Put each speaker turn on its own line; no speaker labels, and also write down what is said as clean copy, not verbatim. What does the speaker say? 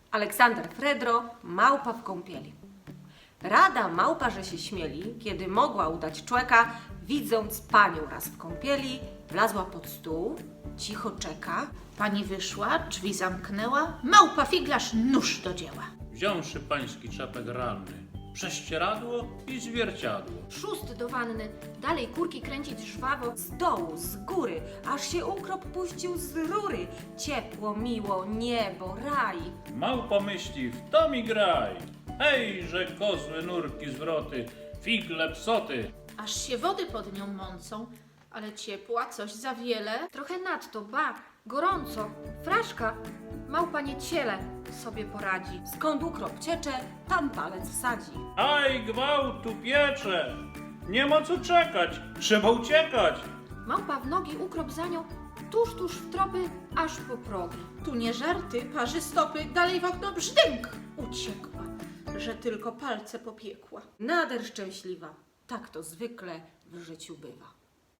Aleksander Fredro, małpa w kąpieli. Rada małpa, że się śmieli, kiedy mogła udać człeka, widząc panią raz w kąpieli, wlazła pod stół, cicho czeka.
Pani wyszła, drzwi zamknęła, małpa figlarz nóż do dzieła.
Wziąwszy pański czepek ranny, prześcieradło i zwierciadło.
Szóst do wanny, dalej kurki kręcić żwawo.
Z dołu, z góry, aż się ukrop puścił z rury. Ciepło, miło, niebo, raj.
Małpa myśli, w to mi graj. Hej, że kozły, nurki, zwroty, figle, psoty.
Aż się wody pod nią mącą, ale ciepła coś za wiele.
Trochę nadto, ba, gorąco. Fraszka, małpa nie ciele sobie poradzi.
Skąd ukrop ciecze, tam palec wsadzi.
Aj, gwałtu piecze. Nie ma co czekać, trzeba uciekać.
Małpa w nogi, ukrop za nią, tuż w tropy, aż po progi.
Tu nie żarty, parzy stopy, dalej w okno brzdęk uciekła, że tylko palce popiekła.
Nader szczęśliwa, tak to zwykle w życiu bywa.